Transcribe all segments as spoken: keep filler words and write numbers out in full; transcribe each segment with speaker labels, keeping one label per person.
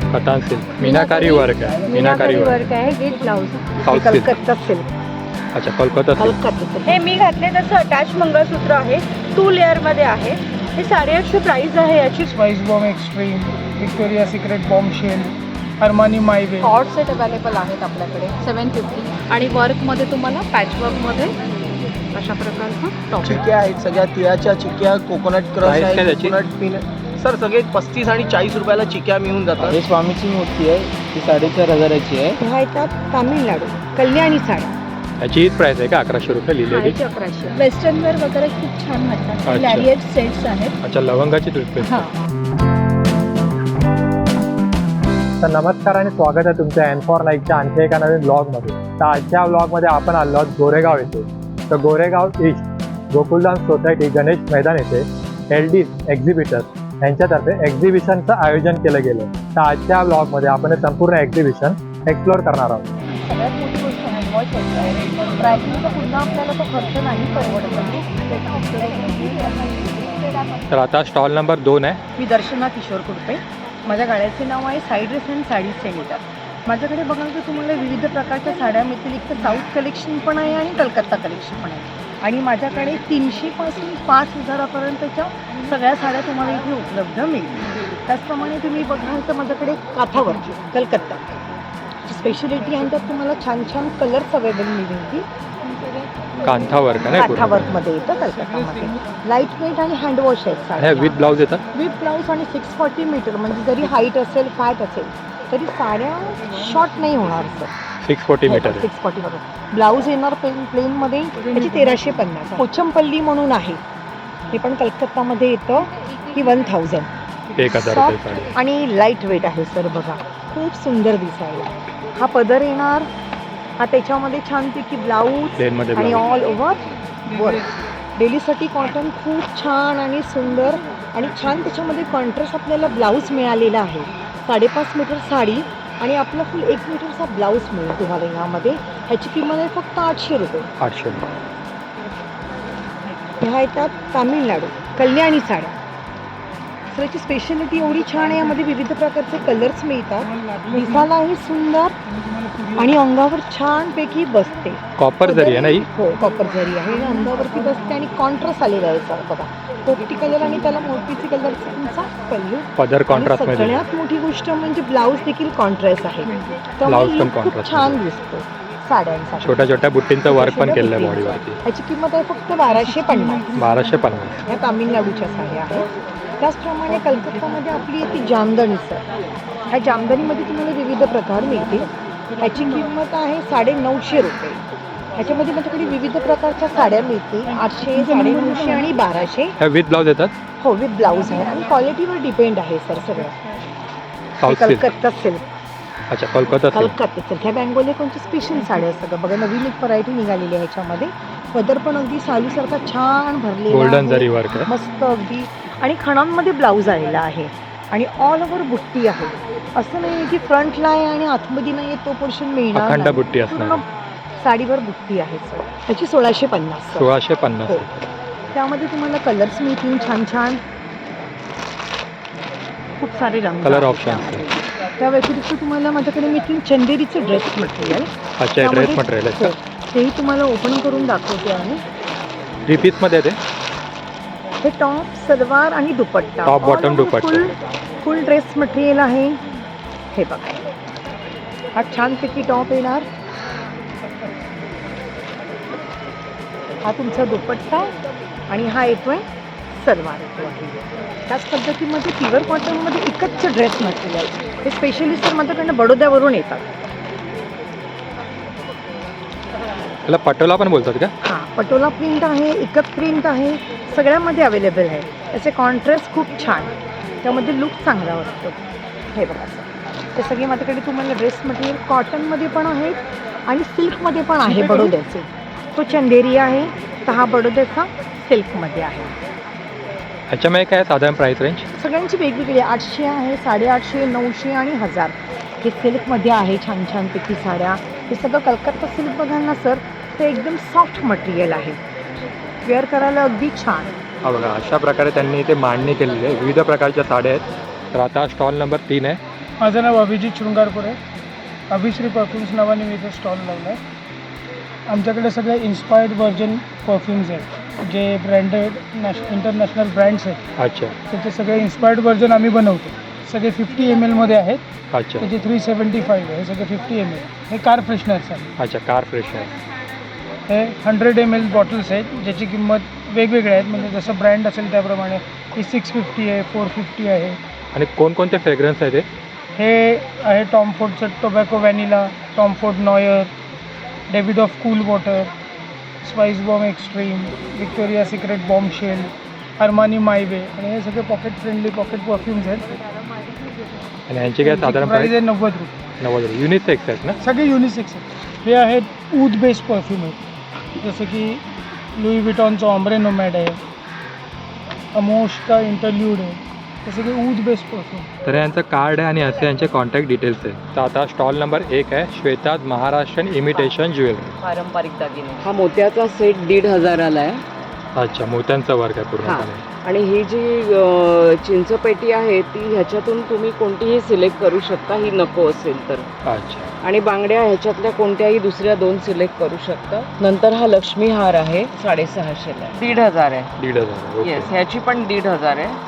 Speaker 1: कतान silk meenakari work आहे.
Speaker 2: Meenakari work आहे. With blouse.
Speaker 1: South silk.
Speaker 2: Calcutta silk.
Speaker 1: अच्छा कोलकाता सिल्क.
Speaker 2: हे मी घातले तसं अटॅच मंगळसूत्र आहे. टू लेअर मध्ये आहे. हे साडेआठशे प्राइस आहे याची.
Speaker 3: Spice bomb extreme, Victoria secret bombshell, Armani my way.
Speaker 2: Cord set available आहेत आपल्याकडे सेवन फिफ्टी. आणि वर्कमध्ये तुम्हाला पॅच वर्कमध्ये अशा प्रकारचा टॉप.
Speaker 3: चिक्क्या आहेत सगळ्या तिळाच्या चिक्क्या, कोकोनट क्रश
Speaker 1: Price काय
Speaker 3: आहे,
Speaker 1: त्याची?
Speaker 3: Coconut pin. सर सगळे पस्तीस आणि चाळीस रुपयाला चिक्क्या मिळून जातात.
Speaker 4: हे स्वामीची मूर्ती आहे, ती साडेचार हजाराची आहे.
Speaker 2: ह्या येतात तामिळनाडू कल्याणी साड्या.
Speaker 1: याची हीच प्राइस आहे का अकराशे रुपये लिहिलेली?
Speaker 2: साडेचे अकराशे. वेस्टर्न वेअर वगैरे खूप छान वाटतात.
Speaker 1: अच्छा.
Speaker 2: लॅरिएट सेट्स आहेत.
Speaker 1: अच्छा लवंगाची टूथपेस्ट.
Speaker 2: हां.
Speaker 1: तर नमस्कार आणि स्वागत आहे तुमच्या एन फॉर लाईकच्या आणखी एका नवीन ब्लॉगमध्ये. तर आजच्या ब्लॉगमध्ये आपण आलो आहोत गोरेगाव येथे. तर गोरेगाव ईस्ट गोकुलधाम सोसायटी गणेश मैदान येथे एल डी एक्झिबिटर यांच्यातर्फे एक्झिबिशनचं आयोजन केलं गेलं. तर आजच्या ब्लॉगमध्ये आपण हे संपूर्ण एक्झिबिशन एक्सप्लोअर करणार आहोत.
Speaker 2: सगळ्यात मोठी गोष्ट हँडवॉश आहे. ड्रायक्लिनचा पुन्हा आपल्याला तो खर्च नाही परवडत.
Speaker 1: तर आता स्टॉल नंबर दोन आहे.
Speaker 2: मी दर्शना किशोर कुडपे. माझ्या गाड्याचे नाव आहे साई ड्रेस अँड साडी सेलिटर. माझ्याकडे बघाल तर तुम्हाला विविध प्रकारच्या साड्या मिळतील. एक तर साऊथ कलेक्शन पण आहे आणि कलकत्ता कलेक्शन पण आहे. आणि माझ्याकडे तीनशेपासून पाच हजारापर्यंतच्या सगळ्या साड्या तुम्हाला इथे उपलब्ध मिळतील. त्याचप्रमाणे तुम्ही बघाल तर माझ्याकडे काठावर कलकत्ता स्पेशलिटी आहे. त्यात तुम्हाला छान छान कलर्स अवेलेबल मिळतील.
Speaker 1: कांथा वर्क आहे ना
Speaker 2: काठा वर्कमध्ये येतं कलकत्तामध्ये. लाईट वेट आणि हँडवॉश आहेत
Speaker 1: हे
Speaker 2: साड्या.
Speaker 1: विथ ब्लाउज येतात.
Speaker 2: विथ ब्लाऊज आणि सिक्स फॉर्टी मीटर म्हणजे जरी हाईट असेल फॅट असेल तरी साड्या शॉर्ट नाही होणार सर.
Speaker 1: सिक्स फोर्टी मीटर आहे.
Speaker 2: सिक्स फॉर्टी मीटर ब्लाऊज येणार प्लेन प्लेनमध्ये त्याची तेराशे पन्नास. पोचमपल्ली म्हणून आहे. हे पण कलकत्तामध्ये येतं. ही वन थाउजंड.
Speaker 1: एक हजार रुपये साडी.
Speaker 2: आणि लाईट वेट आहे सर. बघा खूप सुंदर दिसायला. हा पदर येणार. हा त्याच्यामध्ये छानपैकी ब्लाऊज
Speaker 1: प्लेनमध्ये
Speaker 2: आणि
Speaker 1: ब्लाऊज.
Speaker 2: All over work. डेलीसाठी कॉटन खूप छान आणि सुंदर आणि छान त्याच्यामध्ये कॉन्ट्रास्ट आपल्याला ब्लाऊज मिळालेला आहे. साडेपाच मीटर साडी आणि आपला फुल एक मीटरचा ब्लाऊज मिळेल तुम्हाला यामध्ये. ह्याची किंमत आहे फक्त आठशे रुपये.
Speaker 1: आठशे.
Speaker 2: ह्या येतात तामिळनाडू कल्याणी साड्या. सर याची स्पेशालिटी एवढी छान आहे. यामध्ये विविध प्रकारचे कलर्स मिळतात. दिसायलाही सुंदर आणि अंगावर छानपैकी बसते.
Speaker 1: कॉपर जरी आहे ना ही?
Speaker 2: हो कॉपर जरी आहे. आणि अंगावरती बसते आणि कॉन्ट्रास्ट आलेला आहे सर. बघा पोपटी कलर आणि त्याला मोतीची कलरचा तुमचा पल्लू.
Speaker 1: पदर कॉन्ट्रास्ट मध्ये.
Speaker 2: सगळ्यात मोठी गोष्ट म्हणजे ब्लाऊज देखील कॉन्ट्रास्ट आहे.
Speaker 1: ब्लाऊज पण
Speaker 2: त्यामुळे खूप
Speaker 1: कॉन्ट्रास्ट
Speaker 2: छान दिसतो साड्यांसाठी.
Speaker 1: छोट्या छोट्या बुट्टींचं वर्क पण केलेलं आहे बॉडीवरती.
Speaker 2: ह्याची किंमत आहे फक्त बाराशे पन्नास.
Speaker 1: बाराशे पन्नास.
Speaker 2: ह्या तामिळनाडूच्या साड्या आहेत. त्याचप्रमाणे कलकत्तामध्ये आपली येते जामदानी सर. ह्या जामदानीमध्ये तुम्हाला विविध प्रकार मिळतील. ह्याची किंमत आहे साडे नऊशे रुपये. ह्याच्यामध्ये माझ्याकडे विविध प्रकारच्या साड्या मिळतील. आठशे साडे नऊशे आणि बाराशे.
Speaker 1: ह्या विथ ब्लाऊज येतात.
Speaker 2: हो विथ ब्लाऊज आहे आणि क्वालिटीवर डिपेंड आहे सर सगळं.
Speaker 1: South silk.
Speaker 2: कलकत्ता सिल्क.
Speaker 1: अच्छा कोलकाता सिल्क.
Speaker 2: कलकत्ता सिल्क ह्या बँगोली कोणची स्पेशल साड्या असतात. बघा नवीन एक व्हरायटी निघालेली आहे ह्याच्यामध्ये. पदर पण अगदी सालीसारखा छान भरलेला
Speaker 1: गोल्डन
Speaker 2: आहे.
Speaker 1: जरी वर्क आहे.
Speaker 2: मस्त अगदी. आणि खणांमध्ये ब्लाऊज आलेला आहे आणि ऑल ओव्हर बुट्टी आहे. असं नाही की फ्रंटला आहे आणि आतमध्ये नाही तो पोर्शन मिळणार
Speaker 1: अखंड
Speaker 2: नाही.
Speaker 1: बुट्टी असणार.
Speaker 2: पूर्ण साडीवर बुट्टी आहे सर. त्याची सोळाशे पन्नास.
Speaker 1: सोळाशे पन्नास.
Speaker 2: हो. त्यामध्ये तुम्हाला कलर्स मिळतील छान छान. खूप सारे रंग
Speaker 1: कलर
Speaker 2: आहेत
Speaker 1: ऑप्शन.
Speaker 2: त्यामध्ये. त्या व्यतिरिक्त तुम्हाला माझ्याकडे मिळतील चंदेरीचं ड्रेस मटेरियल.
Speaker 1: अच्छा ड्रेस
Speaker 2: त्यामध्ये-
Speaker 1: मटेरियल आहे
Speaker 2: हो. तेही तुम्हाला ओपन करून दाखवते आहे.
Speaker 1: थ्री पीस मध्ये आहे ते.
Speaker 2: हे टॉप सलवार आणि dupatta.
Speaker 1: Top, bottom, dupatta.
Speaker 2: Full full dress material आहे. हे बघा हा छानपैकी टॉप येणार. हा तुमचा दुपट्टा आणि हा येतोय सलवार येतो आहे. त्याच पद्धतीमध्ये प्युअर कॉटनमध्ये एकच ड्रेस मटेरियल. हे स्पेशली सर माझ्याकडनं बडोद्यावरून येतात.
Speaker 1: त्याला पटोला पण बोलतात का?
Speaker 2: हां पटोला प्रिंट आहे. एकच प्रिंट आहे. सगळ्यामध्ये अवेलेबल आहे. त्याचे कॉन्ट्रास्ट खूप छान. त्यामध्ये लुक चांगला वाटतो. हे बघा सर ते सगळे माझ्याकडे तुम्हाला ड्रेस मटेरियल कॉटनमध्ये पण आहेत आणि सिल्कमध्ये पण आहे. बडोद्याचे तो चंदेरी आहे. तर हा बडोद्याचा सिल्कमध्ये आहे.
Speaker 1: ह्याच्यामध्ये काय साधारण प्राइस रेंज?
Speaker 2: सगळ्यांची वेगवेगळी. आठशे आहे, साडेआठशे, नऊशे आणि हजार. हे सिल्कमध्ये आहे छान छानपैकी साड्या. हे सगळं कलकत्ता सिल्क बघाल ना सर ते एकदम सॉफ्ट मटेरियल आहे. वेअर करायला अगदी छान.
Speaker 1: हा बघा अशा प्रकारे त्यांनी इथे मांडणी केलेली आहे. विविध प्रकारच्या साड्या आहेत. तर आता स्टॉल नंबर तीन आहे.
Speaker 3: माझं नाव अभिजित शृंगारपूर आहे. अभिश्री परफ्युम्स नावाने मी इथे स्टॉल लावला आहे. आमच्याकडे सगळे इन्स्पायर्ड व्हर्जन परफ्युम्स आहेत, जे ब्रँडेड नॅश इंटरनॅशनल ब्रँड्स आहेत.
Speaker 1: अच्छा
Speaker 3: त्याचे सगळे इन्स्पायर्ड व्हर्जन आम्ही बनवतो. सगळे फिफ्टी एम एलमध्ये आहेत.
Speaker 1: अच्छा
Speaker 3: त्याचे थ्री सेवन्टी फाईव्ह आहे. हे सगळे फिफ्टी एम एल. हे कार फ्रेशनर्स आहे.
Speaker 1: अच्छा कार फ्रेशनर.
Speaker 3: हे हंड्रेड एम एल बॉटल्स आहेत, ज्याची किंमत वेगवेगळ्या आहेत. म्हणजे जसं ब्रँड असेल त्याप्रमाणे ही सिक्स फिफ्टी आहे, फोर फिफ्टी आहे.
Speaker 1: आणि कोणकोणते फ्रेग्रन्स आहेत ते?
Speaker 3: हे आहे टॉम फोर्डचं tobacco vanilla, Tom Ford noir, Davidoff cool water, spice bomb extreme, Victoria secret bombshell, Armani my way. आणि हे सगळे पॉकेट फ्रेंडली पॉकेट परफ्युम्स आहेत.
Speaker 1: आणि यांची काय साधारण
Speaker 3: प्राईस
Speaker 1: प्राईस?
Speaker 3: आहे नव्वद रुपये.
Speaker 1: नव्वद रुपये. युनिसेक्स आहेत ना?
Speaker 3: सगळे युनिसेक्स आहेत. हे आहेत ऊद बेस्ड परफ्यूम आहेत, जसं की लुई विटॉनचं ऑम्ब्रे नोमॅड आहे, अमोश का इंटरल्यूड आहे. हे सगळे ऊद बेस्ड परफ्यूम.
Speaker 1: तर यांचं कार्ड आहे आणि असे यांचे कॉन्टॅक्ट डिटेल्स आहेत. तर आता स्टॉल नंबर एक आहे श्वेताज महाराष्ट्रीयन इमिटेशन ज्वेलरी.
Speaker 5: पारंपरिक दागिने. हा मोत्याचा सेट दीड हजाराला आहे.
Speaker 1: अच्छा मोत्यांचा वर्क आहे पूर्णपणे.
Speaker 5: आणि ही जी अ, चिंचपेटी आहे ती ह्याच्यातून तुम्ही कोणतीही सिलेक्ट करू शकता, ही नको असेल तर.
Speaker 1: अच्छा
Speaker 5: आणि बांगड्या ह्याच्यातल्या कोणत्याही दुसऱ्या दोन सिलेक्ट करू शकता. नंतर हा लक्ष्मी हार आहे, साडेसहाशेला आहे. दीड हजार आहे.
Speaker 1: दीड हजार. ओके.
Speaker 5: येस, ह्याची पण दीड हजार आहे.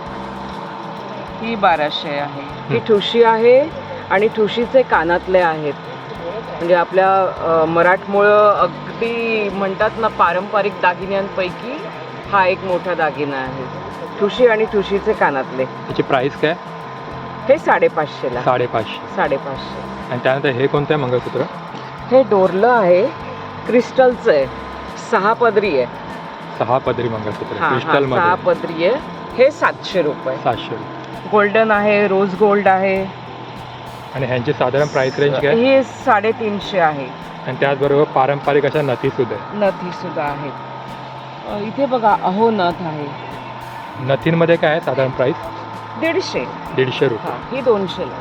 Speaker 5: ही बाराशे आहे. ही ठुशी आहे आणि ठुशीचे कानातले आहेत. म्हणजे आपल्या अ, मराठमोळं अगदी म्हणतात ना पारंपरिक दागिन्यांपैकी हा एक मोठा दागिना आहे. ठुशी आणि ठुशीचे कानातले.
Speaker 1: त्याची प्राइस काय?
Speaker 5: हे साडेपाचशेला.
Speaker 1: साडेपाचशे.
Speaker 5: साडेपाचशे.
Speaker 1: आणि त्यानंतर हे कोणतं आहे मंगळसूत्र?
Speaker 5: हे डोरलं आहे, क्रिस्टलचं आहे, सहा पदरी आहे.
Speaker 1: सहा पदरी मंगळसूत्र
Speaker 5: हा, हा,
Speaker 1: क्रिस्टल
Speaker 5: सहा
Speaker 1: मध्ये.
Speaker 5: पदरी आहे. हे सातशे रुपये.
Speaker 1: सातशे रुपये.
Speaker 5: गोल्डन आहे, रोज गोल्ड आहे.
Speaker 1: आणि ह्यांची साधारण प्राइस रेंज काय?
Speaker 5: हे साडेतीनशे आहे.
Speaker 1: आणि त्याचबरोबर पारंपरिक अशा नथी सुद्धा आहे.
Speaker 5: नथी सुद्धा आहेत. अ, इथे बघा अहो नथ आहे,
Speaker 1: नथींमध्ये काय आहे साधारण प्राइस?
Speaker 5: दीडशे.
Speaker 1: दीडशे रुपये.
Speaker 5: हा, ही दोनशेला.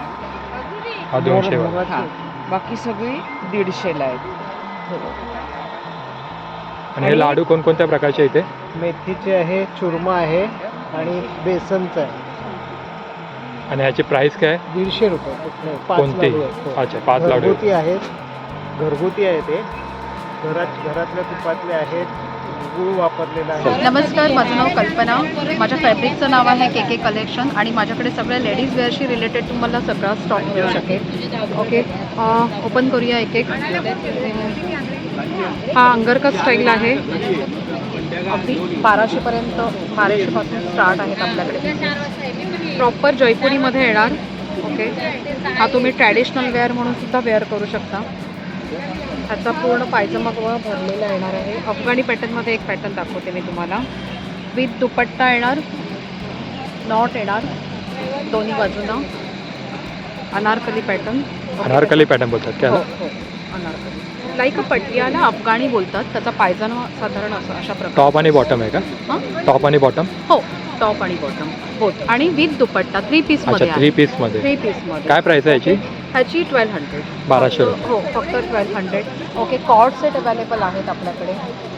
Speaker 1: हा दोनशे वाला.
Speaker 5: हा, बाकी सगळी दीडशेला आहेत.
Speaker 1: आणि हे
Speaker 5: आणि-
Speaker 1: लाडू कोणकोणत्या प्रकारचे इथे?
Speaker 3: मेथीचे आहे, चुरमा आहे आणि बेसनचं आहे.
Speaker 1: आणि ह्याची प्राइस काय?
Speaker 3: दीडशे रुपये. कुठले? पाच
Speaker 1: कोणती?
Speaker 3: लाडू आहेत. हो.
Speaker 1: अच्छा पाच लाडू.
Speaker 3: घरगुती आहेत. घरगुती आहे ते. घरात घरातल्या तुपातले आहेत. गुळ वापरलेला आहे.
Speaker 2: नमस्कार, माझं नाव कल्पना. माझ्या फॅब्रिकचं नाव आहे के के कलेक्शन आणि माझ्याकडे सगळ्या लेडीज वेअरशी रिलेटेड तुम्हाला सगळा स्टॉक मिळू शकेल. ओके, ओपन करूया एक एक. हा अंगरका स्टाईल आहे. अगदी बाराशेपर्यंत, बाराशेपासून स्टार्ट आहेत आपल्याकडे. प्रॉपर जयपुरीमध्ये येणार. ओके, हा तुम्ही ट्रॅडिशनल वेअर म्हणून सुद्धा वेअर करू शकता. ह्याचा पूर्ण पायजमा कवा भरलेला येणार आहे. अफगाणी पॅटर्नमध्ये एक पॅटर्न दाखवते मी तुम्हाला. विथ दुपट्टा येणार, नॉट येणार दोन्ही बाजूला. अनारकली पॅटर्न.
Speaker 1: अनारकली पॅटर्न बोलतात
Speaker 2: हो
Speaker 1: काय?
Speaker 2: हो, अनारकली लाईक अ पटियाला अफगाणी बोलतात. त्याचा पायजमा साधारण असं अशा प्रकारे.
Speaker 1: टॉप आणि बॉटम आहे का?
Speaker 2: हां,
Speaker 1: टॉप आणि बॉटम.
Speaker 2: हो, टॉप आणि बॉटम बोथ. आणि विथ दुपट्टा थ्री
Speaker 1: अच्छा
Speaker 2: पीसमध्ये
Speaker 1: थ्री
Speaker 2: आहे.
Speaker 1: पीस मध्ये.
Speaker 2: थ्री पीसमध्ये.
Speaker 1: काय प्राइस आहे याची?
Speaker 2: ह्याची ट्वेल्व हंड्रेड.
Speaker 1: बाराशे रुपये.
Speaker 2: हो, फक्त twelve hundred. Okay, cord set available आहेत आपल्याकडे.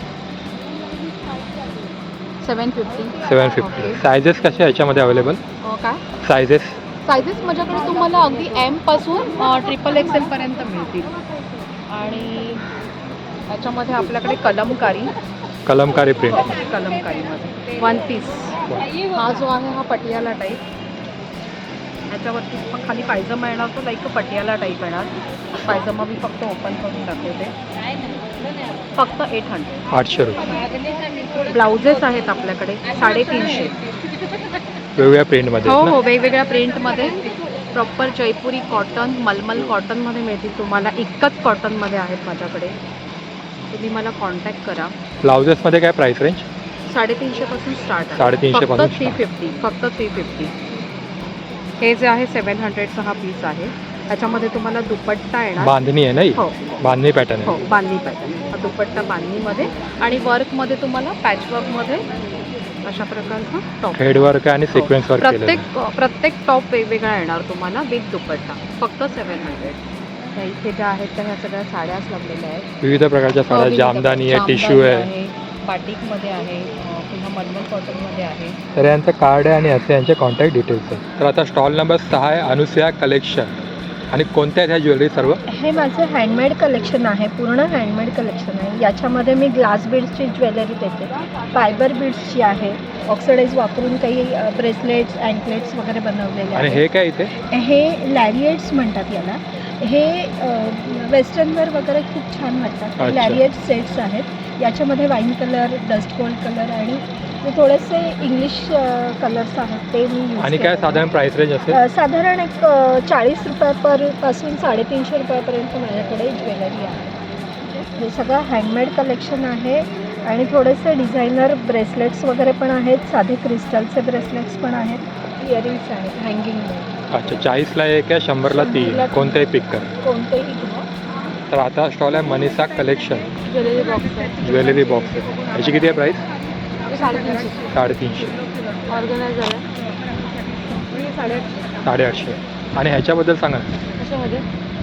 Speaker 2: Seven fifty.
Speaker 1: Seven fifty. Sizes कसे आहे याच्यामध्ये अवेलेबल?
Speaker 2: काय
Speaker 1: सायझेस?
Speaker 2: सायझेस माझ्याकडे तुम्हाला अगदी एमपासून ट्रिपल एक्स एलपर्यंत मिळतील. आणि त्याच्यामध्ये आपल्याकडे कलमकारी.
Speaker 1: कलमकारी प्रिंट.
Speaker 2: कलमकारीमध्ये वन पीस. हा जो आहे हा पटियाला टाईप. ह्याच्यावरती पण खाली पायजमा येणार, तो लाईक पटियाला टाईप येणार. पायजमा मी फक्त ओपन करून दाखवते. फक्त एट हंड्रेड.
Speaker 1: आठशे रुपये.
Speaker 2: ब्लाउजेस आहेत आपल्याकडे साडेतीनशे.
Speaker 1: वेगवेगळ्या प्रिंटमध्ये
Speaker 2: हो
Speaker 1: आहेत ना?
Speaker 2: हो, वेगवेगळ्या प्रिंटमध्ये. प्रॉपर जयपुरी कॉटन, मलमल कॉटनमध्ये मिळतील तुम्हाला. इतकंच कॉटनमध्ये आहेत माझ्याकडे. तुम्ही मला कॉन्टॅक्ट करा.
Speaker 1: ब्लाउजेसमध्ये काय प्राइस रेंज?
Speaker 2: साडेतीनशेपासून स्टार्ट आहे.
Speaker 1: साडेतीनशे पासून
Speaker 2: फक्त थ्री फिफ्टी. फक्त थ्री फिफ्टी. हे जे आहे सेवन हंड्रेडचा हा पीस आहे. ह्याच्यामध्ये तुम्हाला दुपट्टा येणार.
Speaker 1: बांधणी आहे नाही?
Speaker 2: हो
Speaker 1: बांधणी पॅटर्न
Speaker 2: हो,
Speaker 1: आहे.
Speaker 2: बांधणी पॅटर्न. हा दुपट्टा बांधणीमध्ये आणि वर्कमध्ये तुम्हाला पॅचवर्कमध्ये अशा प्रकारचा टॉप.
Speaker 1: हेड वर्क आणि सिक्वेन्स वर्क केलेलं
Speaker 2: प्रत्येक प्रत्येक टॉप वेगवेगळा येणार तुम्हाला विथ दुपट्टा. फक्त सेवन हंड्रेड. त्या इथे ज्या आहेत त्या ह्या सगळ्या साड्याच लागलेल्या आहेत.
Speaker 1: विविध प्रकारच्या साड्या.
Speaker 2: विविध
Speaker 1: जामदानी आहे,
Speaker 2: जामदानी
Speaker 1: टिश्यू आहे.
Speaker 2: बाटिकमध्ये आहे. अं, पुन्हा मलमल कॉटनमध्ये आहे.
Speaker 1: तर यांचं कार्ड आहे आणि असे यांचे कॉन्टॅक्ट डिटेल्स आहे. तर आता स्टॉल नंबर सहा आहे अनुसया कलेक्शन. आणि कोणत्या आहेत ह्या ज्वेलरी सर्व?
Speaker 2: हे माझं हँडमेड कलेक्शन आहे, पूर्ण हँडमेड कलेक्शन आहे. याच्यामध्ये मी ग्लास बीड्सची ज्वेलरी देते, फायबर बीड्सची आहे, ऑक्सिडाईज वापरून काही ब्रेसलेट्स अँकलेट्स वगैरे बनवलेले
Speaker 1: आणि
Speaker 2: आहेत.
Speaker 1: हे काय इथे?
Speaker 2: हे लॅरिएट्स म्हणतात याला. हे वेस्टर्नवेअर वगैरे खूप छान वाटतात.
Speaker 1: अच्छा.
Speaker 2: लॅरिएट सेट्स आहेत. याच्यामध्ये wine colour, dust gold colour आणि थोडेसे इंग्लिश कलर्स आहेत ते मी यूज
Speaker 1: आणि काय साधारण प्राइस रेंज असेल?
Speaker 2: अ, साधारण एक अ, चाळीस रुपयापासून साडेतीनशे रुपयापर्यंत माझ्याकडे ज्वेलरी आहे. हे सगळं हँडमेड कलेक्शन आहे आणि थोडेसे डिझायनर ब्रेसलेट्स वगैरे पण आहेत, साधे क्रिस्टलचे ब्रेसलेट्स पण आहेत, इयरिंग्स आहेत हँगिंग.
Speaker 1: अच्छा, चाळीसला एक आहे, शंभरला तीन,
Speaker 2: शंभरला तीन.
Speaker 1: कोणतेही पिक कर.
Speaker 2: कोणतेही घ्या.
Speaker 1: तर आता स्टॉल आहे मनीषा कलेक्शन
Speaker 2: ज्वेलरी बॉक्स आहे.
Speaker 1: ज्वेलरी बॉक्स आहे. याची किती आहे प्राईस?
Speaker 2: साडेतीनशे.
Speaker 1: साडेतीनशे.
Speaker 2: ऑर्गनायझर आहे साडेआठशे.
Speaker 1: साडेआठशे. आणि ह्याच्याबद्दल सांगा.
Speaker 2: कशामध्ये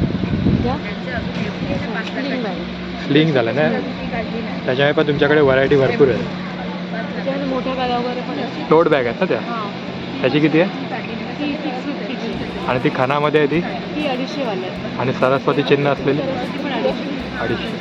Speaker 1: स्लिंग झालं ना, त्याच्यामुळे पण तुमच्याकडे व्हरायटी भरपूर आहे.
Speaker 2: त्याच्यामध्ये मोठ्या बॅगा वगैरे पण आहेत.
Speaker 1: टोट बॅग आहेत ना त्या?
Speaker 2: हां,
Speaker 1: त्याची किती आहे?
Speaker 2: ती सिक्स फिफ्टीची.
Speaker 1: आणि ती खानामध्ये आहे ती?
Speaker 2: ती अडीचशेवाली आहे.
Speaker 1: आणि सरस्वती चिन्ह असलेली
Speaker 2: ती पण अडीचशे.
Speaker 1: अडीचशे.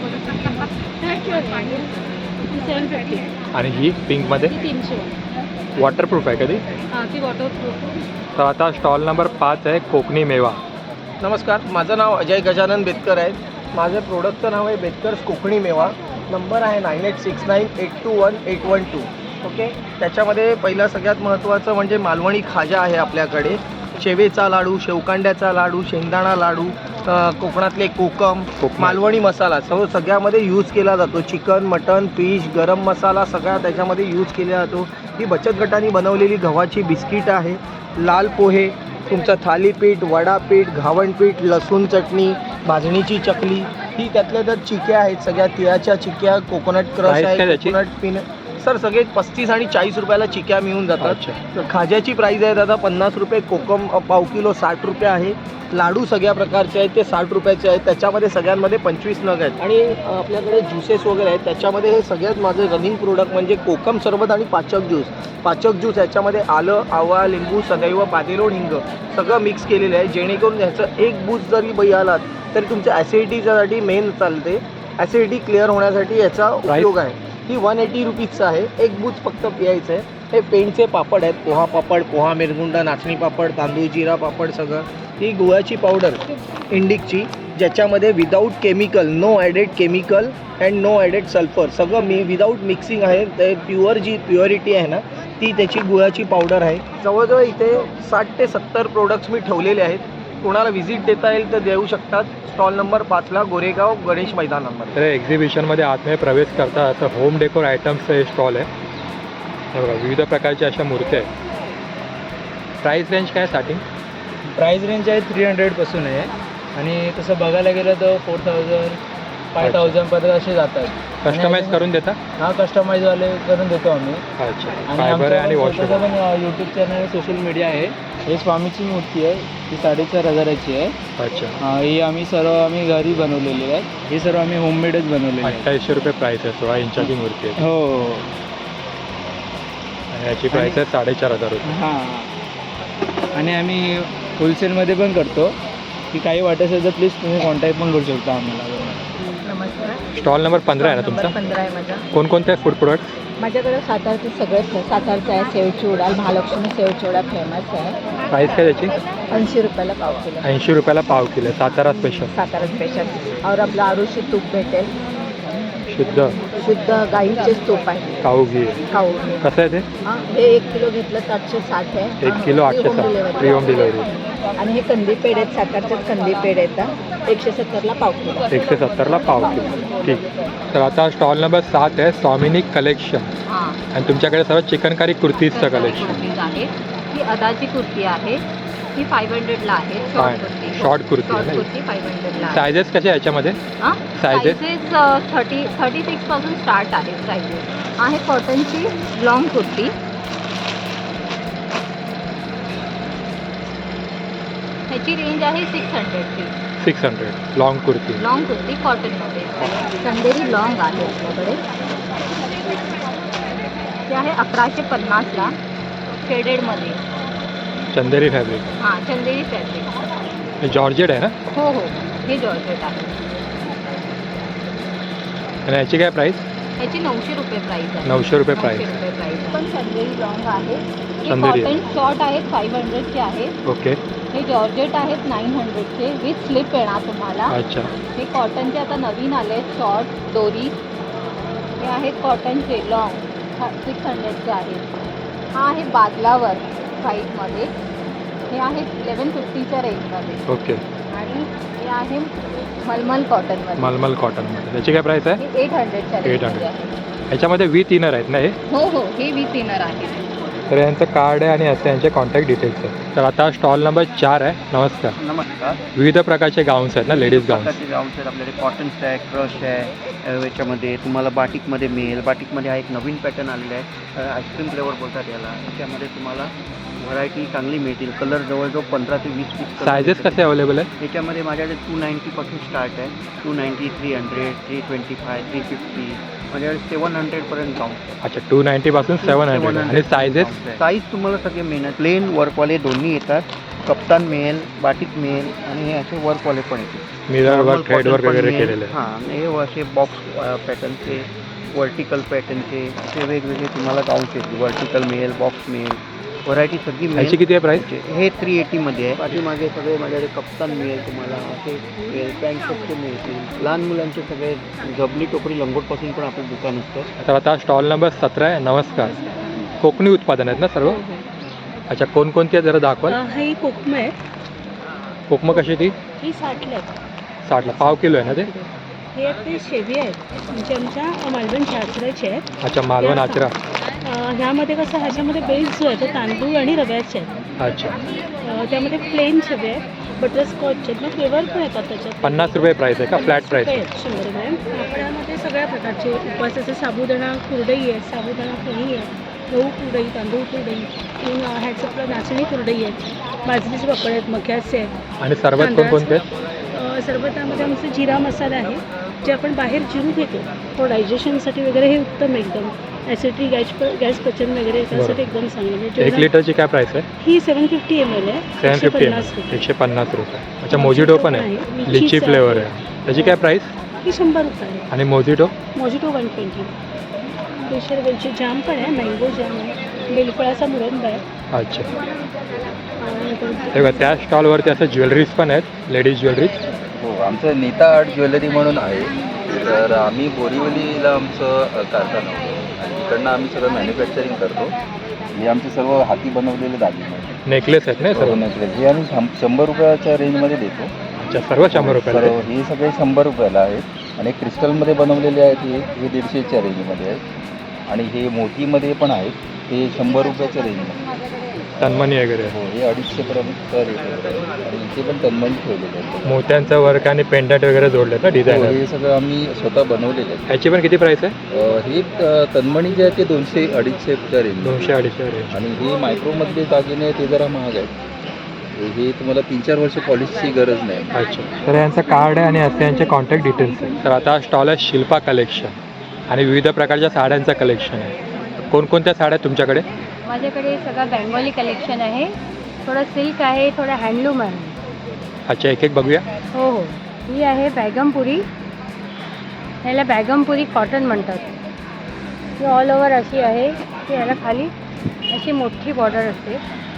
Speaker 2: ती सेवन फिफ्टी.
Speaker 1: आणि ही पिंकमध्ये
Speaker 2: ती तीनशे.
Speaker 1: वॉटरप्रूफ आहे कधी?
Speaker 2: हां, ती वॉटरप्रूफ.
Speaker 1: तर आता स्टॉल नंबर पाच आहे कोकणी मेवा.
Speaker 6: नमस्कार, माझं नाव अजय गजानन बेतकर आहे. माझं प्रोडक्टचं नाव आहे बेतकर्स कोकणी मेवा. नंबर आहे nine eight six nine eight two one eight one two. Okay, त्याच्यामध्ये पहिलं सगळ्यात महत्त्वाचं म्हणजे मालवणी खाजा आहे आपल्याकडे. शेवेचा लाडू, शेवकांड्याचा लाडू, शेंगदाणा लाडू, अ, कोकणातले कोकम,
Speaker 1: कोकम.
Speaker 6: मालवणी मसाला सर्व सगळ्यामध्ये यूज केला जातो. चिकन, मटन, फिश, गरम मसाला सगळा त्याच्यामध्ये यूज केला जातो. ही बचत गटाने बनवलेली गव्हाची बिस्किट आहे. लाल पोहे, तुमचं थालीपीठ, वडापीठ, घावणपीठ, लसूण चटणी, भाजणीची चकली, ही त्यातल्या त्यात चिक्या आहेत. सगळ्या तिळाच्या चिक्या, कोकोनट क्रश
Speaker 1: Price काय
Speaker 6: आहे,
Speaker 1: त्याची?
Speaker 6: Coconut pin. सर सगळे पस्तीस आणि चाळीस रुपयाला चिक्या मिळून जातात.
Speaker 1: अच्छा.
Speaker 6: खाज्याची प्राईस आहे दादा पन्नास रुपये, कोकम अ, पाव किलो साठ रुपये आहे. लाडू सगळ्या प्रकारचे आहेत ते साठ रुपयाचे आहेत. त्याच्यामध्ये सगळ्यांमध्ये पंचवीस नग आहेत. आणि अ, आपल्याकडे ज्युसेस वगैरे आहेत. त्याच्यामध्ये हे सगळ्यात माझं रनिंग प्रोडक्ट म्हणजे कोकम सरबत आणि पाचक ज्यूस. पाचक ज्यूस याच्यामध्ये आलं, आवळा, लिंबू, सदैव, पातेलोण, हिंग सगळं मिक्स केलेलं आहे, जेणेकरून ह्याचं एक बूज जरी बई आलात तरी तुमच्या ॲसिडिटीसाठी मेन चालते. ॲसिडिटी क्लिअर होण्यासाठी याचा उपयोग आहे. ही वन एटी रुपीजचं आहे. एक बूज फक्त पियायचं आहे. हे पेंटचे पापड आहेत, पोहा पापड, पोहा मिरगुंडा, नाचणी पापड, तांदूळ जिरा पापड सगळं. ही गुळाची पावडर इंडिकची, ज्याच्यामध्ये without chemical, no added chemical and no added sulphur, सगळं मी विदाऊट मिक्सिंग आहे. ते प्युअर जी प्युअरिटी आहे ना ती त्याची गुळाची पावडर आहे. जवळजवळ इथे साठ ते सत्तर प्रोडक्ट्स मी ठेवलेले आहेत. कोणाला व्हिजिट देता येईल तर देऊ शकतात. स्टॉल नंबर पाचला गोरेगाव गणेश मैदानामध्ये.
Speaker 1: तर एक्झिबिशनमध्ये आतमध्ये प्रवेश करता तर होम डेकोर आयटम्सचं हे स्टॉल आहे. हे बघा, विविध प्रकारच्या अशा मूर्त्या आहेत. प्राईस रेंज काय स्टार्टिंग?
Speaker 4: प्राईस रेंज आहे थ्री हंड्रेडपासून आहे आणि तसं बघायला गेलं तर फोर थाउजंड फाय थाउजंडपर्यंत असे जातात.
Speaker 1: कस्टमाइज करून देता?
Speaker 4: हा, कस्टमाइजवाले करून देतो आम्ही.
Speaker 1: अच्छा.
Speaker 4: आणि
Speaker 1: फायबर आहे आणि
Speaker 4: आमचं
Speaker 1: वॉशर.
Speaker 4: स्वतःचं पण यूट्यूब चॅनल, सोशल मीडिया आहे. हे स्वामीची मूर्ती आहे, ती साडेचार हजाराची आहे.
Speaker 1: अच्छा.
Speaker 4: हा, ही आम्ही सर्व आम्ही घरी बनवलेली आहे. हे सर्व आम्ही होममेडच बनवलेले आहे.
Speaker 1: अठ्ठावीसशे रुपये प्राईस आहे. सोळा इंचाची मूर्ती आहे.
Speaker 4: हो.
Speaker 1: आणि याची प्राईस आहे साडेचार हजार रुपये.
Speaker 4: हां, आणि आम्ही होलसेलमध्ये पण करतो. की काही वाटत असेल तर प्लीज तुम्ही कॉन्टॅक्ट पण करू शकता आम्हाला.
Speaker 2: नमस्कार.
Speaker 1: स्टॉल नंबर पंधरा आहे ना
Speaker 2: नंबर
Speaker 1: तुमचा?
Speaker 2: पंधरा आहे माझा.
Speaker 1: कोणकोणते फूड प्रोडक्ट्स?
Speaker 2: माझ्याकडे सातारचे सगळेच आहे. सातारचा आहे सेवचिवडा, महालक्ष्मी सेवचिवडा फेमस आहे.
Speaker 1: प्राईस काय त्याची?
Speaker 2: ऐंशी रुपयाला पाव किलो.
Speaker 1: ऐंशी रुपयाला पाव kilo. Satara special.
Speaker 2: Satara special. और आपलं आरुषी तूप भेटेल,
Speaker 1: शुद्ध
Speaker 2: शुद्ध गाईचेच तूप आहे.
Speaker 1: काऊ घी आहे.
Speaker 2: खाऊ
Speaker 1: कसं आहे ते?
Speaker 2: हां, हे एक किलो घेतलं तर आठशे साठ आहे.
Speaker 1: एक किलो आठशे साठ. Free home delivery.
Speaker 2: आणि हे कंदी पेढे आहेत, सातारचेच कंदी पेढे येतात, एकशे सत्तरला पाव किलो.
Speaker 1: एकशे सत्तरला पाव किलो. ठीक. तर आता स्टॉल नंबर सात आहे स्वामिनी कलेक्शन.
Speaker 2: हां,
Speaker 1: आणि तुमच्याकडे सर्व चिकनकारी कुर्तीजचं कलेक्शन.
Speaker 7: कुर्तीज आहे. ही अदाची कुर्ती आहे. ही फाईव्ह हंड्रेडला आहे.
Speaker 1: काय?
Speaker 7: Short kurti.
Speaker 1: Short kurti
Speaker 7: short
Speaker 1: आहे.
Speaker 7: कुर्ती फाईव्ह हंड्रेडला आहे.
Speaker 1: सायझेस कसे आहे याच्यामध्ये?
Speaker 7: हां,
Speaker 1: sizes?
Speaker 7: सायझेस थर्टी थर्टी सिक्सपासून स्टार्ट आहे सायझेस. आहे कॉटनची लॉंग कुर्ती. ह्याची रेंज आहे सिक्स हंड्रेडची.
Speaker 1: Six hundred long kurti.
Speaker 7: Long kurti कॉटनमध्ये. कंदेरी लॉंग आहे आपल्याकडे. ते आहे अकराशे पन्नासला शेडेडमध्ये.
Speaker 1: चंदेरी फॅब्रिक.
Speaker 7: हां, चंदेरी फॅब्रिक.
Speaker 1: हे जॉर्जेट आहे ना?
Speaker 7: हो हो, हे जॉर्जेट आहे.
Speaker 1: आणि याची काय प्राईस?
Speaker 7: याची नऊशे रुपये प्राईस आहे.
Speaker 1: नऊशे रुपये प्राईस.
Speaker 7: नऊशे रुपये प्राईस. पण चंदेरी लॉंग आहे. हे
Speaker 1: चंदेरी.
Speaker 7: कॉटन शॉर्ट आहेत फाईव्ह हंड्रेडचे आहेत.
Speaker 1: ओके.
Speaker 7: हे जॉर्जेट आहेत नाईन हंड्रेडचे विथ स्लिप येणार तुम्हाला.
Speaker 1: अच्छा.
Speaker 7: हे कॉटनचे आता नवीन आले आहेत शॉर्ट दोरी. हे आहेत कॉटनचे लॉंग सिक्स हंड्रेडचे आहेत. हा आहे बादलावर व्हाईटमध्ये. हे आहेत इलेवन फिफ्टीच्या रेंजमध्ये.
Speaker 1: ओके.
Speaker 7: आणि हे आहे मलमल कॉटनमध्ये.
Speaker 1: मलमल कॉटनमध्ये. त्याची काय प्राईस आहे?
Speaker 7: हे एट हंड्रेडच्या
Speaker 1: एट
Speaker 7: रेंजमध्ये
Speaker 1: हंड्रेड.
Speaker 7: आहे.
Speaker 1: ह्याच्यामध्ये विथ इनर आहेत ना हे?
Speaker 7: हो हो, हे विथ इनर आहे.
Speaker 1: तर यांचं कार्ड आहे आणि असं यांचे कॉन्टॅक्ट डिटेल्स आहेत. तर आता स्टॉल नंबर चार आहे. नमस्कार.
Speaker 6: नमस्कार.
Speaker 1: विविध प्रकारचे गाऊन्स आहेत ना, लेडीज गाऊन्स.
Speaker 6: प्रकारचे गाऊन्स आहेत आपल्याकडे. कॉटन्स आहे, क्रश आहे, अ, याच्यामध्ये तुम्हाला बाटिकमध्ये मिळेल. बाटिकमध्ये हा एक नवीन पॅटर्न आलेला आहे, आईस्क्रीम फ्लेवर बोलतात याला. याच्यामध्ये तुम्हाला व्हरायटी चांगली मिळतील. कलर जवळजवळ पंधरा ते वीस पीस.
Speaker 1: सायझेस कसे अवेलेबल आहेत?
Speaker 6: याच्यामध्ये माझ्याकडे टू नाईन्टीपासून स्टार्ट आहे. Two ninety, three hundred, three twenty five, three fifty, माझ्याकडे सेवन हंड्रेडपर्यंत गाऊन.
Speaker 1: अच्छा, टू नाईन्टीपासून सेवन हंड्रेड. आणि सायझेस?
Speaker 6: साईज तुम्हाला सगळे मिळणार. प्लेन वर्कवाले दोन्ही येतात. कप्तान मिळेल, बाटिक मिळेल आणि हे असे वर्कवाले पण येतील.
Speaker 1: मिरर वर्क, थ्रेड वर्क वगैरे केलेले आहे.
Speaker 6: हां, हे असे बॉक्स पॅटर्नचे, वर्टिकल पॅटर्नचे असे वेगवेगळे तुम्हाला गाऊन्स येतील. वर्टिकल मिळेल, बॉक्स मिळेल, व्हरायटी सगळी
Speaker 1: याची
Speaker 6: मिळेल.
Speaker 1: किती आहे प्राईस?
Speaker 6: हे थ्री एटीमध्ये आहे. पाठीमागे सगळे माझ्याकडे कप्तान मिळेल तुम्हाला, असे मिळेल, पॅन्ट शर्टचे मिळतील. लहान मुलांचे सगळे जबली टोकरी लंगोटपासून पण आपलं दुकान असतं.
Speaker 1: तर आता स्टॉल नंबर सतरा आहे. नमस्कार. कोकणी उत्पादन आहेत ना सर्व? अच्छा, कोणकोणती आहेत जरा दाखवाल?
Speaker 8: ही कोकम आहे.
Speaker 1: कोकमं कशी ती?
Speaker 8: ही साठला आहे.
Speaker 1: साठला. पाव किलो आहे ना ते?
Speaker 8: हे आपले शेवी आहेत म्हणजे आमच्या मालवण शास्त्राचे आहेत.
Speaker 1: अच्छा, मालवण आचरा.
Speaker 8: अं, ह्यामध्ये कसं ह्याच्यामध्ये बेस जो आहे तो तांदूळ आणि रव्याचे आहेत.
Speaker 1: अच्छा.
Speaker 8: अं, त्यामध्ये प्लेन शेवे आहेत, बटरस्कॉच आहेत, मग फ्लेवर पण येतात त्याच्यात.
Speaker 1: पन्नास रुपये प्राईस आहे का? Flat price?
Speaker 8: आहेत शंभर ग्रॅम. आपण यामध्ये सगळ्या प्रकारचे उपवासाचे साबुदाणा कुरडई आहे, साबुदाणा फणी आहे, गहू कुरडई, तांदूळ कुरडई, तीन ह्याचं आपलं नाचणी कुरडई आहेत, बाजरीचे पापड आहेत, मक्याचे आहेत.
Speaker 1: आणि सरबत कोणकोणते आहेत?
Speaker 8: अं, सरबतामध्ये आमचं जिरा मसाला आहे जे आपण बाहेर जिरू घेतो तो डायजेशनसाठी वगैरे हे उत्तम एकदम. ॲसिडिटी, गॅस गॅस पचन वगैरे त्यासाठी एकदम चांगलं आहे.
Speaker 1: एक
Speaker 8: जेवढा-
Speaker 1: लिटरची काय प्राईस आहे?
Speaker 8: ही सेवन फिफ्टी एम एल आहे.
Speaker 1: सेवन
Speaker 8: एकशे
Speaker 1: फिफ्टी
Speaker 8: पन्नास रुपये.
Speaker 1: एकशे पन्नास रुपये. अच्छा, मोजिटो पण आहे.
Speaker 8: आहे.
Speaker 1: लिची
Speaker 8: लिचीचं
Speaker 1: फ्लेवर
Speaker 8: आहे.
Speaker 1: आहे. त्याची काय प्राईस?
Speaker 8: ही शंभर रुपये आहे.
Speaker 1: आणि मोजिटो?
Speaker 8: Mojito one twenty. केशर वेलची जाम पण आहे, मँगो जाम आहे, बेलफळाचा मुरंबा आहे.
Speaker 1: अच्छा.
Speaker 8: आणि
Speaker 1: हे बघा, त्या स्टॉलवरती असं ज्वेलरीज पण आहेत, लेडीज ज्वेलरीज.
Speaker 9: हो, आमचं नीता आर्ट ज्वेलरी म्हणून आहे. तर आम्ही बोरिवलीला आमचं अ, कारखाना होतो आणि तिकडनं आम्ही सगळं मॅन्युफॅक्चरिंग करतो. हे आमचे सर्व हाती बनवलेले दागिने आहेत.
Speaker 1: नेकलेस आहेत ना हे
Speaker 9: सर्व
Speaker 1: सर्व?
Speaker 9: नेकलेस हे आम्ही शं- शंभर रुपयाच्या रेंजमध्ये देतो.
Speaker 1: अच्छा, सर्व शंभर रुपयाला
Speaker 9: सर्व
Speaker 1: आहे?
Speaker 9: हे सगळे शंभर रुपयाला आहेत आणि क्रिस्टलमध्ये बनवलेले आहेत हे हे दीडशेच्या रेंजमध्ये आहेत आणि हे मोतीमध्ये पण आहेत ते शंभर रुपयाच्या रेंजमध्ये.
Speaker 1: तन्मणी वगैरे
Speaker 9: हो, हे अडीचशेपर्यंत रेट वगैरे आहे आणि इथे पण तन्मणी ठेवलेले आहेत.
Speaker 1: मोत्यांचं वर्क आणि पेंडंट वगैरे जोडले ना
Speaker 9: हो,
Speaker 1: डिझायनर.
Speaker 9: हे सगळं आम्ही स्वतः बनवलेले आहेत.
Speaker 1: ह्याची पण किती प्राईस आहे?
Speaker 9: अ, हे अ, तन्मणी जे आहे ते दोनशे अडीचशेच्या रेंज
Speaker 1: दोनशे अडीचशे रेंज.
Speaker 9: आणि हे मायक्रोमधले दागिने ते जरा महाग आहेत. हे- हे तुम्हाला तीन चार वर्ष पॉलिशची गरज नाही.
Speaker 1: अच्छा. तर यांचं कार्ड आहे आणि असे यांचे कॉन्टॅक्ट डिटेल्स आहे. तर आता स्टॉल आहे शिल्पा कलेक्शन आणि विविध प्रकारच्या साड्यांचं कलेक्शन आहे. कोणकोणत्या साड्या आहेत तुमच्याकडे?
Speaker 2: माझ्याकडे सगळं बेंगॉली कलेक्शन आहे, थोडं सिल्क आहे, थोडं हँडलूम आहे.
Speaker 1: अच्छा, एक एक बघूया.
Speaker 2: हो हो. ही आहे बॅगमपुरी. ह्याला बॅगमपुरी कॉटन म्हणतात. ही ऑल ओव्हर अशी आहे की ह्याला खाली अशी मोठी बॉर्डर असते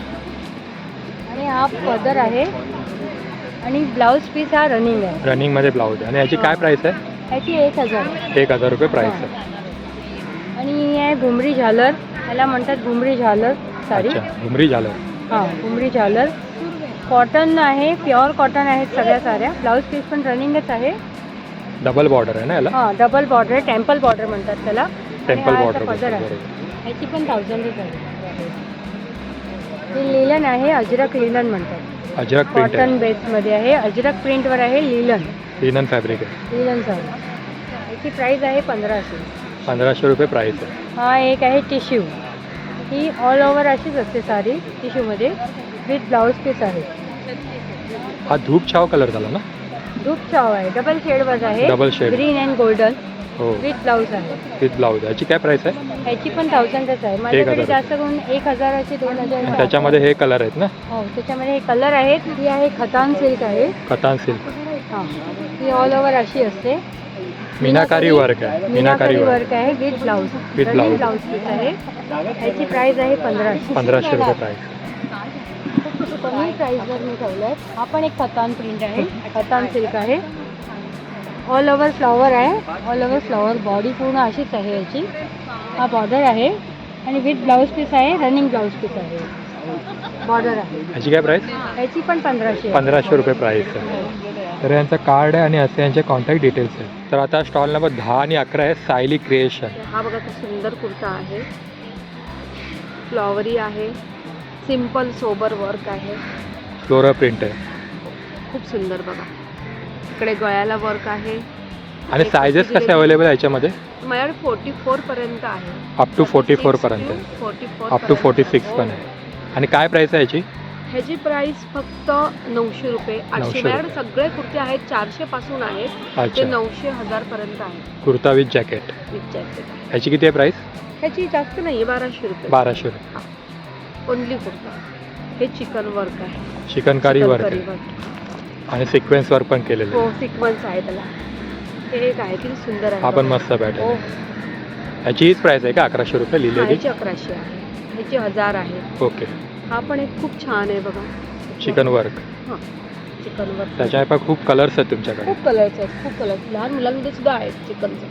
Speaker 2: आणि हा पदर आहे आणि ब्लाऊज पीस हा रनिंग आहे.
Speaker 1: रनिंगमध्ये ब्लाऊज आहे. आणि याची काय प्राईस आहे?
Speaker 2: ह्याची एक हजार आहे.
Speaker 1: एक हजार रुपये प्राईस आहे.
Speaker 2: आणि ही आहे घुमरी झालर, ह्याला म्हणतात घुमरी झालर साडी.
Speaker 1: अच्छा, घुमरी झालं.
Speaker 2: हां, घुमरी झालर कॉटन आहे, प्युअर कॉटन आहेत सगळ्या साड्या. ब्लाऊज पीस पण रनिंगच आहे.
Speaker 1: डबल बॉर्डर आहे ना याला?
Speaker 2: हां, डबल बॉर्डर आहे, टेम्पल बॉर्डर म्हणतात त्याला. आणि
Speaker 1: टेम्पल
Speaker 2: हा
Speaker 1: बॉर्डर.
Speaker 2: असा पदर आहे. ह्याची पण थाउजंड रुपये. ही लिलन आहे, अजरक लिलन म्हणतात.
Speaker 1: अजरक प्रिंट
Speaker 2: कॉटन
Speaker 1: आहे.
Speaker 2: बेसमध्ये आहे, अजरक प्रिंटवर आहे, लिलन
Speaker 1: लिनन फॅब्रिक आहे.
Speaker 2: लिलन साडी. याची प्राईस आहे पंधराशे.
Speaker 1: पंधराशे रुपये प्राईस आहे.
Speaker 2: हा एक आहे टिश्यू. ही ऑल ओव्हर अशीच असते साडी टिश्यूमध्ये विथ ब्लाऊज पीस आहे.
Speaker 1: हा धूप छाव कलर झाला ना?
Speaker 2: धूप चाव आहे, डबल शेडवर आहे.
Speaker 1: Double shade.
Speaker 2: Green and golden.
Speaker 1: हो
Speaker 2: विथ ब्लाऊज आहे.
Speaker 1: With blouse. याची काय प्राइस आहे?
Speaker 2: ह्याची पण थाउजंडच आहे माझ्याकडे.
Speaker 1: हजार.
Speaker 2: जास्त करून एक हजाराचे दोन हजार
Speaker 1: आणि त्याच्यामध्ये हे कलर आहेत ना?
Speaker 2: हो त्याच्यामध्ये हे कलर आहेत. ही आहे खतान सिल्क आहे.
Speaker 1: कतान सिल्क.
Speaker 2: हां ही ऑल ओव्हर अशी असते.
Speaker 1: मीनाकारी वर्क आहे.
Speaker 2: मीनाकारी वर्क आहे with blouse.
Speaker 1: With blouse.
Speaker 2: Blouse piece आहे. ह्याची प्राइस आहे पंधराशे.
Speaker 1: पंधराशे रुपये प्राइस.
Speaker 2: कमी प्राईसवर मी ठेवलं आहे. हा पण एक खतान प्रिंट आहे. खतान सिल्क आहे. ऑल ओव्हर फ्लॉवर आहे. ऑल ओव्हर फ्लॉवर बॉडी पूर्ण अशीच आहे याची. हा बॉर्डर आहे आणि विथ ब्लाऊज पीस आहे. रनिंग ब्लाऊज पीस आहे. बॉर्डर आहे.
Speaker 1: याची काय प्राइस?
Speaker 2: याची पण पंधराशे.
Speaker 1: पंधराशे रुपये प्राइस आहे. तर यांचं कार्ड आहे आणि असे यांचे कॉन्टॅक्ट डिटेल्स आहेत. तर आता स्टॉल नंबर दहा आणि अकरा आहे सायली क्रिएशन.
Speaker 2: हा बघा तो सुंदर कुर्ता आहे. फ्लॉवरी आहे. सिम्पल सोबर वर्क आहे.
Speaker 1: फ्लोरा प्रिंट आहे
Speaker 2: खूप सुंदर बघा. इकडे गळ्याला वर्क आहे.
Speaker 1: आणि सायझेस कसे अवेलेबल आहे याच्यामध्ये?
Speaker 2: माझ्याकडे फोर्टी फोर पर्यंत आहे.
Speaker 1: अप टू फोर्टी फोर पर्यंत.
Speaker 2: Forty four
Speaker 1: up to forty six पण आहे. आणि काय प्राइस आहे याची?
Speaker 2: ह्याची प्राइस फक्त नऊशे रुपये.
Speaker 1: नऊशे
Speaker 2: आठशे माझ्याकडे सगळे कुर्ते आहेत. चारशे पासून आहेत ते
Speaker 1: अच्छा.
Speaker 2: नऊशे हजार पर्यंत आहे.
Speaker 1: Kurta with jacket.
Speaker 2: With jacket.
Speaker 1: ह्याची किती आहे प्राइस?
Speaker 2: ह्याची जास्त नाही आहे. बाराशे रुपये.
Speaker 1: बाराशे रुपये.
Speaker 2: ओनली कुर्ता. हे चिकन वर्क आहे.
Speaker 1: चिकनकारी वर्क
Speaker 2: चिकनकारी
Speaker 1: आहे
Speaker 2: वर्क.
Speaker 1: आणि सिक्वेन्स वर्क पण केलेलं
Speaker 2: हो
Speaker 1: आहे.
Speaker 2: सिक्वन्स आहे त्याला. हे एक आहे किती सुंदर आहे.
Speaker 1: हा पण
Speaker 2: बघा.
Speaker 1: मस्त पॅटर्न
Speaker 2: हो
Speaker 1: आहे. ह्याची हीच प्राइस आहे का? अकराशे रुपये
Speaker 2: हा,
Speaker 1: लिहिलेली.
Speaker 2: ह्याची अकराशे आहे. ह्याची हजार आहे.
Speaker 1: ओके.
Speaker 2: हा पण एक खूप छान आहे बघा.
Speaker 1: चिकन वर्क.
Speaker 2: हां चिकन वर्क.
Speaker 1: त्याच्यामध्ये पण खूप कलर्स आहेत तुमच्याकडे.
Speaker 2: खूप कलर्स आहेत. खूप कलर्स लहान मुलांमध्ये सुद्धा आहेत चिकनचे.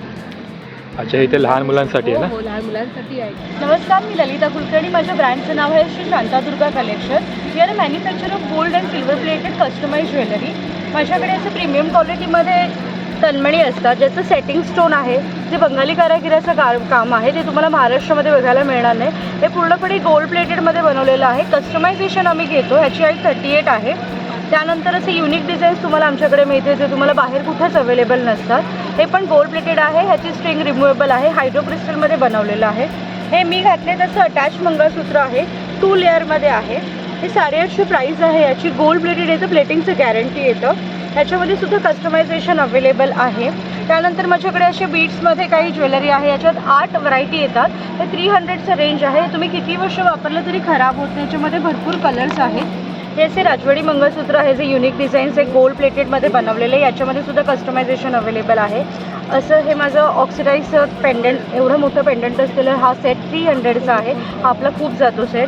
Speaker 1: अच्छा इथे लहान मुलांसाठी आहे
Speaker 2: हो
Speaker 1: ना?
Speaker 2: हो लहान मुलांसाठी आहे. नमस्कार मी ललिता कुलकर्णी. माझ्या ब्रँडचं नाव आहे Shri Shantadurga collection. We are a manufacture of gold and silver plated customise jewellery. माझ्याकडे असं प्रीमियम क्वालिटीमध्ये तन्मणी असतात ज्याचं सेटिंग स्टोन आहे. जे बंगाली कारागिराचं का काम आहे ते तुम्हाला महाराष्ट्रामध्ये बघायला मिळणार नाही. हे पूर्णपणे गोल्ड प्लेटेडमध्ये बनवलेलं आहे. कस्टमायझेशन आम्ही घेतो. ह्याची हाईट थर्टी एट आहे. त्यानंतर असे युनिक डिझाईन्स तुम्हाला आमच्याकडे मिळते जे तुम्हाला बाहेर कुठेच अवेलेबल नसतात. हे पण गोल्ड प्लेटेड आहे. ह्याची स्ट्रिंग रिमूवेबल आहे. हायड्रो क्रिस्टलमध्ये बनवलेलं आहे. हे मी घातले तसं अटॅच मंगळसूत्र आहे. टू लेअरमध्ये आहे. हे साडेआठशे प्राईस आहे याची. गोल्ड प्लेटेड येतं. प्लेटिंगचं गॅरंटी येतं. ह्याच्यामध्ये सुद्धा कस्टमायझेशन अवेलेबल आहे. त्यानंतर माझ्याकडे असे बीट्समध्ये काही ज्वेलरी आहे. याच्यात आठ व्हरायटी येतात. हे थ्री हंड्रेडचं रेंज आहे. तुम्ही किती वर्ष वापरलं तरी खराब होत नाही. याच्यामध्ये भरपूर कलर्स आहेत. हे असे राजवाडी मंगळसूत्र आहे जे युनिक डिझाईन्स आहे गोल्ड प्लेटेडमध्ये बनवलेले. याच्यामध्ये सुद्धा कस्टमायझेशन अवेलेबल आहे. असं हे माझं ऑक्सिडाईज पेंडंट एवढं मोठं पेंडंट असलेलं हा सेट थ्री हंड्रेडचा आहे. हा आपला खूप जातो सेट.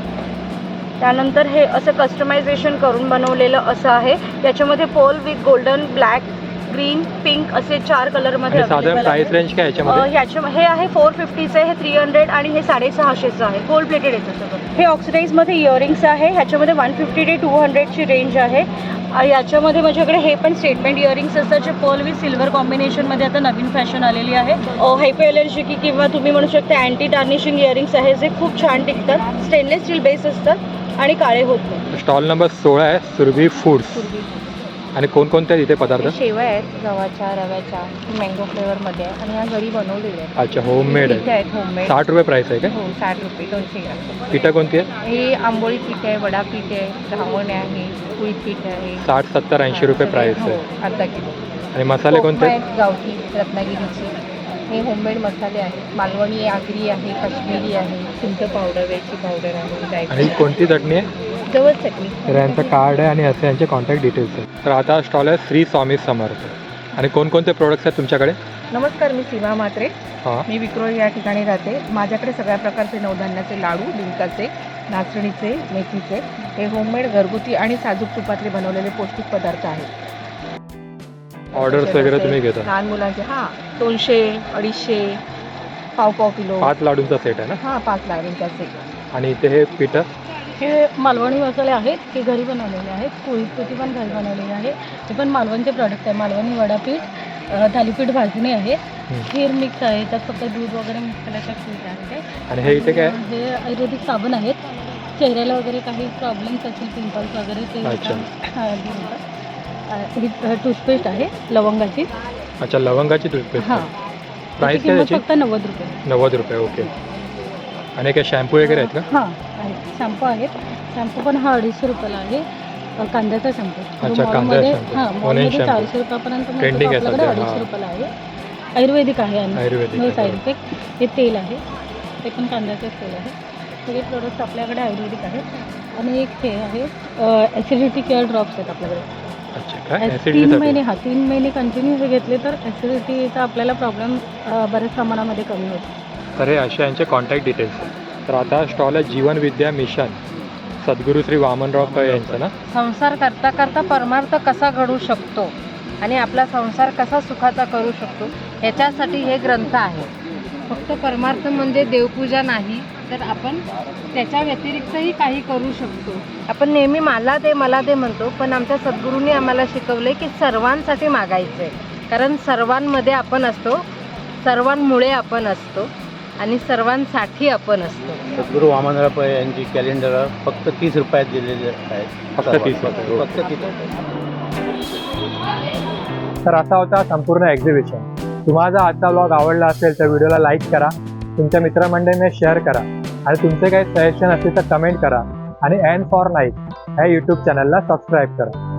Speaker 2: त्यानंतर हे असं कस्टमायझेशन करून बनवलेलं असं आहे. याच्यामध्ये पोल with golden, black, green, pink असे चार कलरमध्ये
Speaker 1: साधारण प्राइस रेंज काय याच्यामध्ये?
Speaker 2: ह्याच्या हे आहे फोर फिफ्टीचं आहे. हे थ्री हंड्रेड आणि हे साडेसहाशेचं आहे. गोल्ड प्लेटेड येतं सगळं. हे ऑक्सिडाईजमध्ये इयरिंग्स आहे. ह्याच्यामध्ये वन फिफ्टी ते टू हंड्रेडची रेंज आहे. याच्यामध्ये माझ्याकडे हे पण स्टेटमेंट इयरिंग्स असतात जे पर्ल विथ सिल्वर कॉम्बिनेशनमध्ये आता नवीन फॅशन आलेली आहे. हायपो एलर्जी किंवा तुम्ही म्हणू शकता अँटी टार्निशिंग इयरिंग्स आहे जे खूप छान टिकतात. स्टेनलेस स्टील बेस असतात आणि काळे होत नाही.
Speaker 1: स्टॉल नंबर सोळा आहे सुरभी फूड्स. आणि कोणकोणते इथे पदार्थ?
Speaker 2: शेवया आहेत गव्हाच्या, रव्याच्या, मँगो फ्लेवरमध्ये आणि ह्या घरी बनवलेल्या आहेत.
Speaker 1: अच्छा होममेड
Speaker 2: पिठं
Speaker 1: आहे.
Speaker 2: आहेत होममेड.
Speaker 1: साठ रुपये प्राइस आहे का?
Speaker 2: हो साठ रुपये दोनशे ग्राम.
Speaker 1: पिठं कोणती आहे?
Speaker 2: हे आंबोळी पीठ आहे, वडा पीठ आहे, घावण आहे, कुळीत पीठ आहे.
Speaker 1: साठ सत्तर ऐंशी रुपये प्राइस
Speaker 2: हो,
Speaker 1: आहे.
Speaker 2: अर्धा किलो.
Speaker 1: आणि मसाले कोणते?
Speaker 2: आहेत गावठी रत्नागिरीची. हे होममेड मसाले आहेत. मालवणी आगरी आहे, काश्मीरी आहे, चिंच पावडर, वेलची पावडर आहे.
Speaker 1: आणि कोणती चटणी आहे?
Speaker 2: जवळ चटणी.
Speaker 1: तर यांचं कार्ड आहे आणि असे यांचे कॉन्टॅक्ट डिटेल्स आहेत. तर आता स्टॉल आहे श्री स्वामी समर्थ. आणि कोणकोणते प्रोडक्ट्स आहेत तुमच्याकडे?
Speaker 2: नमस्कार मी सीमा म्हात्रे.
Speaker 1: हां
Speaker 2: मी विक्रोळी या ठिकाणी राहते. माझ्याकडे सगळ्या प्रकारचे नवधान्याचे लाडू, डिंकाचे, नाचणीचे, मेथीचे हे होममेड घरगुती आणि साजूक तुपातले बनवलेले पौष्टिक पदार्थ आहेत.
Speaker 1: ऑर्डर्स वगैरे तुम्ही घेता?
Speaker 2: लहान मुलांचे हां दोनशे अडीचशे पाव पाव किलो.
Speaker 1: पाच लाडूंचा सेट आहे ना?
Speaker 2: हां पाच लाडूंचा सेट.
Speaker 1: आणि इथे हे पिठं?
Speaker 8: हे मालवणी मसाले आहेत. हे घरी बनवलेले आहेत. कुळीत पिठी पण घरी बनवलेली आहे. हे पण मालवणचे प्रॉडक्ट आहे. मालवणी वडापीठ, अ, थालीपीठ भाजणी आहे. खीर मिक्स आहे. त्यात फक्त दूध वगैरे मिक्स केल्याचं खीर आहे.
Speaker 1: आणि हे इथे काय?
Speaker 8: हे आयुर्वेदिक साबण आहेत. चेहऱ्याला वगैरे काही प्रॉब्लेम्स असतील पिंपल्स वगैरे ते
Speaker 1: अच्छा.
Speaker 8: हां ही टूथपेस्ट आहे लवंगाची.
Speaker 1: अच्छा लवंगाची टूथपेस्ट.
Speaker 8: हां
Speaker 1: प्राइस काय त्याची?
Speaker 8: फक्त नव्वद रुपये.
Speaker 1: नव्वद रुपये ओके. आणि काय शॅम्पू वगैरे आहेत का?
Speaker 8: हां आहेत. शॅम्पू आहेत. शॅम्पू पण हा अडीचशे रुपयाला आहे. अ, कांद्याचा शॅम्पू.
Speaker 1: अच्छा, कांद्याचा
Speaker 8: मॉलमध्ये
Speaker 1: shampoo.
Speaker 8: हां
Speaker 1: Onion
Speaker 8: मॉलमध्ये
Speaker 1: shampoo.
Speaker 8: चारशे रुपयापर्यंत मिळतो.
Speaker 1: Trending आहे
Speaker 8: आपल्याकडे
Speaker 1: सध्या,
Speaker 8: अडीचशे
Speaker 1: हां.
Speaker 8: रुपयाला आहे. आयुर्वेदिक आहे आणि
Speaker 1: आयुर्वेदिक
Speaker 8: नो
Speaker 1: आहे.
Speaker 8: Side effect. हे तेल आहे, ते पण कांद्याचंच तेल आहे. सगळे प्रोडक्ट्स आपल्याकडे आयुर्वेदिक आहेत. आणि एक हे आहे ॲसिडिटी केअर ड्रॉप्स आहेत आपल्याकडे.
Speaker 1: अच्छा काय
Speaker 8: तीन
Speaker 1: ऍसिडिटीसाठी?
Speaker 8: महिने हा तीन महिने कंटिन्यू हे घेतले तर ॲसिडिटीचा आपल्याला प्रॉब्लेम बऱ्याच प्रमाणामध्ये कमी होतो.
Speaker 1: तर हे असे यांचे कॉन्टॅक्ट डिटेल्स. तर आता स्टॉल आहे जीवन विद्या मिशन, सद्गुरू श्री वामनराव पै यांचं ना.
Speaker 2: संसार करता करता परमार्थ कसा घडू शकतो आणि आपला संसार कसा सुखाचा करू शकतो ह्याच्यासाठी हे ग्रंथ आहे. फक्त परमार्थ म्हणजे देवपूजा नाही, तर आपण त्याच्या व्यतिरिक्तही काही करू शकतो. आपण नेहमी मला दे मला दे म्हणतो, पण आमच्या सद्गुरूंनी आम्हाला शिकवले की सर्वांसाठी मागायचं आहे. कारण सर्वांमध्ये आपण असतो, सर्वांमुळे आपण असतो आणि सर्वांसाठी आपण असतो.
Speaker 10: सद्गुरू वामनराव पै यांची कॅलेंडर फक्त तीस रुपयात दिलेले आहेत.
Speaker 1: फक्त तीस रुपये.
Speaker 10: फक्त तीस रुपये.
Speaker 1: तर असा होता संपूर्ण एक्झिबिशन. तुम्हाला जर आजचा ब्लॉग आवडला असेल तर व्हिडिओला लाईक करा, तुमच्या मित्रमंडळींना शेअर करा आणि तुमचे काही सजेशन असतील तर कमेंट करा आणि एन फॉर नाईट ह्या यूट्यूब चॅनलला सबस्क्राईब करा.